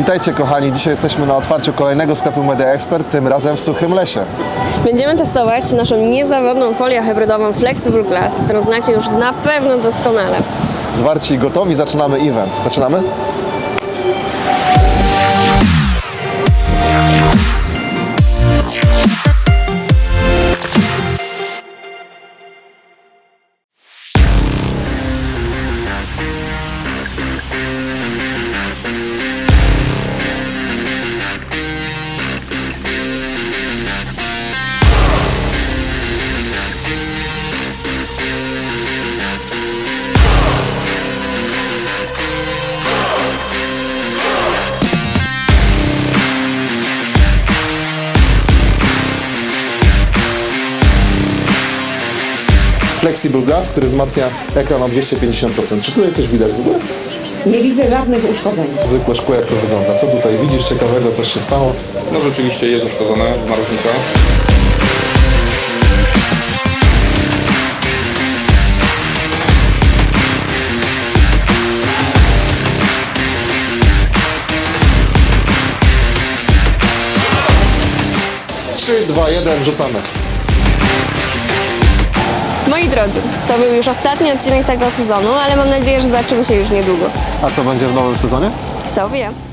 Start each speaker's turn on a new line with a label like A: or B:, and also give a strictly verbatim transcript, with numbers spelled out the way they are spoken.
A: Witajcie kochani, dzisiaj jesteśmy na otwarciu kolejnego sklepu Media Expert, tym razem w Suchym Lesie.
B: Będziemy testować naszą niezawodną folię hybrydową Flexible Glass, którą znacie już na pewno doskonale.
A: Zwarci i gotowi, zaczynamy event. Zaczynamy? Flexible Glass, który wzmacnia ekran o dwieście pięćdziesiąt procent. Czy tutaj coś widać w ogóle?
C: Nie widzę żadnych uszkodzeń.
A: Zwykłe szkło, jak to wygląda? Co tutaj widzisz ciekawego, coś się stało?
D: No rzeczywiście jest uszkodzone z narożnika.
A: trzy, dwa, jeden, rzucamy.
B: Moi drodzy, to był już ostatni odcinek tego sezonu, ale mam nadzieję, że zobaczymy się już niedługo.
A: A co będzie w nowym sezonie?
B: Kto wie?